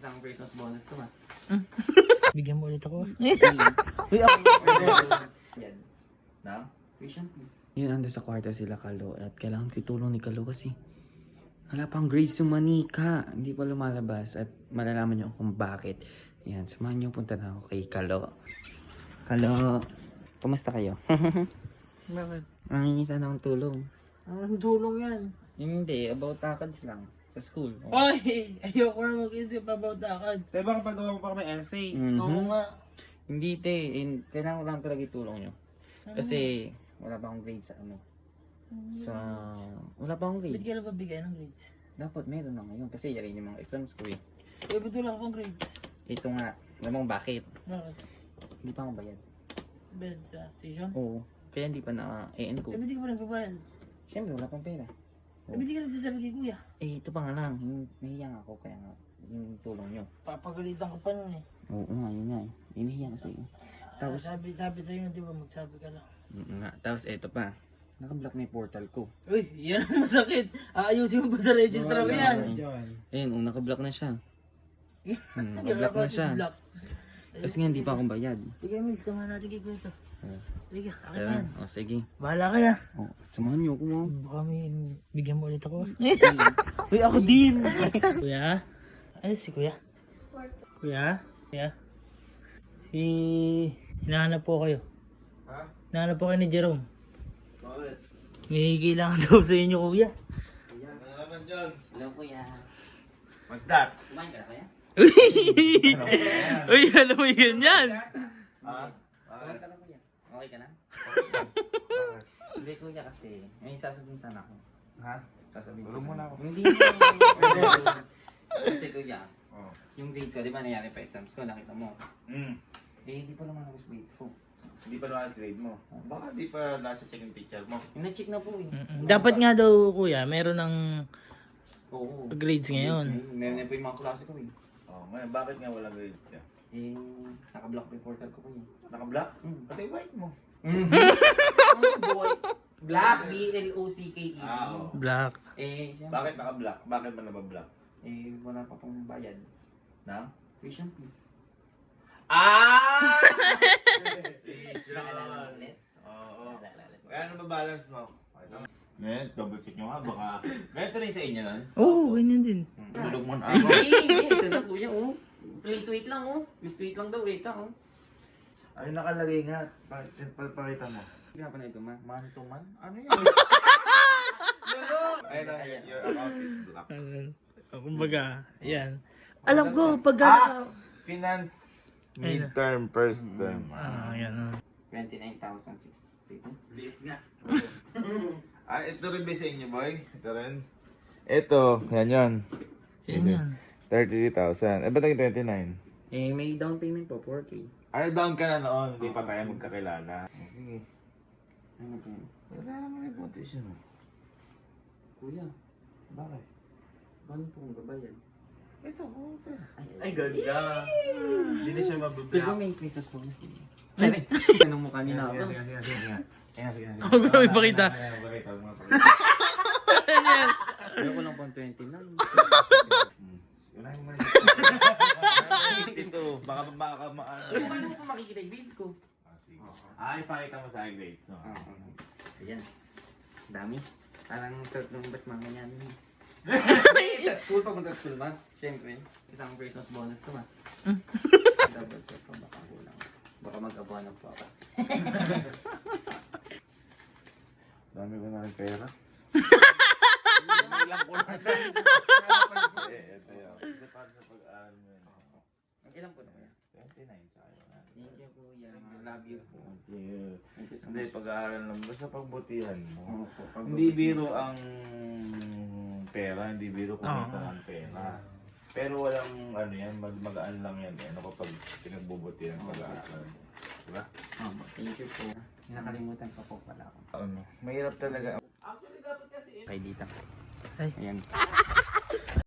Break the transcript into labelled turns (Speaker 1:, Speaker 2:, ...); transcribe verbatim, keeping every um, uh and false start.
Speaker 1: Isang Christmas bonus to, ha?
Speaker 2: Bigyan mo ulit ako.
Speaker 1: Uy, ako. Yan.
Speaker 3: Na?
Speaker 1: Tuition fee.
Speaker 4: Yun, ando sa kwarto sila Kalo at kailangan titulong ni Kalo kasi wala pang grades yung manika. Hindi pa lumalabas at malalaman niyo kung bakit. Yan, samahan niyo punta na ako kay Kalo. Kalo, kumusta kayo?
Speaker 2: Bakit?
Speaker 4: Mangingi sana akong tulong.
Speaker 2: Ang tulong yan.
Speaker 4: Hindi, about takads lang. Sa school. Oh.
Speaker 2: Ay! Ayoko na mag-isip about takads.
Speaker 3: Tayo baka pagawa mo pa kami essay.
Speaker 4: Mhm.
Speaker 2: Oo nga.
Speaker 4: Hindi te, in, kailangan ko lang talaga itulong nyo. Kasi wala pa akong grades sa ano. Sa, wala pa akong
Speaker 2: Ba't
Speaker 4: grades.
Speaker 2: ka na ba bigay ng grades?
Speaker 4: Dapat meron na ngayon kasi yari yung mga exams ko eh.
Speaker 2: Eh, ba't wala akong grades?
Speaker 4: Ito nga, alam mo bakit?
Speaker 2: Bakit?
Speaker 4: Hindi pa ako bayad.
Speaker 2: Bed sa station?
Speaker 4: Oo, kaya hindi pa na-E N ko.
Speaker 2: Eh, ba't di ka pa nagbabayad?
Speaker 4: Siyempre wala pang pera.
Speaker 2: Eh, ba't di ka nagsasabi kay kuya?
Speaker 4: Eh, ito pa nga lang, hin- nahiya ako kaya nga yung tulong nyo.
Speaker 2: Papagalitan ka pa nun eh.
Speaker 4: Oo nga, yun nga eh. Hinihiya kasi.
Speaker 2: Tapos,
Speaker 4: Tapos,
Speaker 2: sabi, sabi sa'yo, di ba, magsabi ka lang.
Speaker 4: mm, nga, tapos eto pa. Naka-block na yung portal ko.
Speaker 2: Uy, yan ang masakit. Aayusin mo ba sa registrar yan?
Speaker 3: Diyan.
Speaker 4: Ayun, oh, naka-block na siya. Hmm,
Speaker 2: Yung
Speaker 4: naka-block na
Speaker 2: account is
Speaker 4: siya.
Speaker 2: blocked.
Speaker 4: Kasi nga hindi pa akong bayad.
Speaker 2: Bigay mo, ito nga natin kay kuya ito.
Speaker 4: Oh.
Speaker 2: Liga, akin na
Speaker 4: Kaya,
Speaker 2: yan.
Speaker 4: oh, sige.
Speaker 2: Bahala ka na.
Speaker 4: Oh, samahan niyo ako mo.
Speaker 2: Baka may bigyan mo ulit ako. Uy, ako din. Kuya? Ano si kuya? Kuya? Kuya? Si... Hinahanap po kayo.
Speaker 3: Ha?
Speaker 2: Hinahanap po kayo ni Jerome.
Speaker 3: Bakit?
Speaker 2: May kailangan daw sa inyo, kuya.
Speaker 3: Ano naman dyan?
Speaker 4: Hello kuya.
Speaker 3: What's that?
Speaker 4: Kumain ka na kaya?
Speaker 2: Uy, alam mo yun yan.
Speaker 3: Ha?
Speaker 4: Kamusta ka kuya? Okay ka na? Hindi kuya kasi, may sasabihin sana ako.
Speaker 3: Ha?
Speaker 4: Sasabihin
Speaker 3: Tulong
Speaker 4: ko
Speaker 3: muna
Speaker 4: sana.
Speaker 3: ako.
Speaker 4: Hindi. Kasi kuya,
Speaker 3: Oh.
Speaker 4: yung grades ko, di ba nangyari pa exams ko, nakita mo.
Speaker 3: Hmm.
Speaker 4: Eh, hindi pa naman ako sa grades ko.
Speaker 3: Hindi pa naman grade mo. Baka di pa nasa check yung teacher mo.
Speaker 4: Yung na-check na po eh.
Speaker 2: Dapat nga daw, kuya, meron ng
Speaker 4: Oo.
Speaker 2: grades ngayon.
Speaker 4: Meron na po yung mga klase ko eh.
Speaker 3: Oh, ngayon bakit nga walang grades ka?
Speaker 4: Eh, naka-block po yung portal ko kuya.
Speaker 3: Naka-block?
Speaker 4: Hmm.
Speaker 3: Pati white mo.
Speaker 4: Boy. Black, B L O C K E D.
Speaker 3: Ah, oo.
Speaker 2: Black.
Speaker 4: Eh, siyempre,
Speaker 3: Bakit naka-block? Bakit ba nabablock?
Speaker 4: eh, wala pa pong bayad.
Speaker 3: Na?
Speaker 4: Tuition fee.
Speaker 3: Ah!
Speaker 4: Naalala mo ulit?
Speaker 3: Oo.
Speaker 4: Naalala ulit.
Speaker 3: Kaya ano ba balance mo? Ngayon, double check nyo nga. Baka... Ganito rin sa inyo nun.
Speaker 2: Oo, oh, ganyan din.
Speaker 3: Tulog mo na
Speaker 4: Ay,
Speaker 3: ako.
Speaker 4: hindi, hindi. Ito na kuya, oh. Please wait lang, oh. Please wait lang daw, wait lang, oh.
Speaker 3: Ay, nakalagay nga. Pakita, pakita mo.
Speaker 4: Kaya pa na ito, ma.
Speaker 3: Man to man? Ano yan? Ayun na, your account is blocked.
Speaker 2: Uh, kumbaga, yan. Alam ko, pag
Speaker 3: Ah! Finance midterm first term.
Speaker 2: Ah, yan. ah.
Speaker 4: twenty-nine thousand sixty-two.
Speaker 3: Liit nga. Ah, ito rin ba sa inyo, boy? Ito rin. Ito, yan yun.
Speaker 2: Yan yan.
Speaker 3: thirty-three thousand. Eh, ba't naging twenty-nine?
Speaker 4: Eh, may down payment po, four K.
Speaker 3: Ano down ka na noon? Hindi pa tayo magkakilala. Sige.
Speaker 4: Ano po?
Speaker 3: Wala naman yung competition mo.
Speaker 4: Kuya,
Speaker 3: Bakit?
Speaker 4: paano po kung babayad?
Speaker 3: Ito, oh, pera.
Speaker 4: Ay,
Speaker 3: ganda. Hindi na siya
Speaker 4: Pero
Speaker 3: mabablock.
Speaker 4: may Christmas bonus din. Sorry. Anong mukha ni na ako?
Speaker 3: Sige, sige, sige, sige. Ayan, sige, sige.
Speaker 2: Huwag mo na ipakita.
Speaker 3: Ayan, pakita, huwag mo na pakita.
Speaker 4: Ayoko lang pang twenty-nine.
Speaker 3: Hmm. Unahin mo muna siya. sixty-two. Baka, baka, ma- ano.
Speaker 4: Pero paano mo pa makikita yung grades ko?
Speaker 3: Ah, sige. Ah, ipakita mo sa grades. No?
Speaker 4: Ah, ayan. Dami. Parang sarap ng bas mga ganyan. Sa school, papunta sa school ba? Siyempre, isang Christmas bonus to ma. Double check ko, baka kulang. Baka mag-abono po ako.
Speaker 3: Dami ko na rin pera. Ilang ko lang sa... Eh, ito yun. Ito para sa pag-aaral mo yun.
Speaker 4: Ilan po na kaya?
Speaker 3: twenty-nine tayo.
Speaker 4: Thank you kuya. Love you po.
Speaker 3: Thank you.
Speaker 4: Thank you so
Speaker 3: Hindi,
Speaker 4: much.
Speaker 3: pag-aaral lang. Basta pagbutihan mo.
Speaker 4: Opo, pag-
Speaker 3: Hindi biro ang pera, hindi biro kumita ng pera. Pero walang ano yan, mag magaan lang yan. Ano kapag pinagbubutihan pag-aaral. Diba?
Speaker 4: Opo, thank you po. Nakalimutan pa po pala ako.
Speaker 3: Ano, mahirap talaga. Actually, dapat kasi...
Speaker 4: Kay dita.
Speaker 2: Ay.
Speaker 4: Ayan.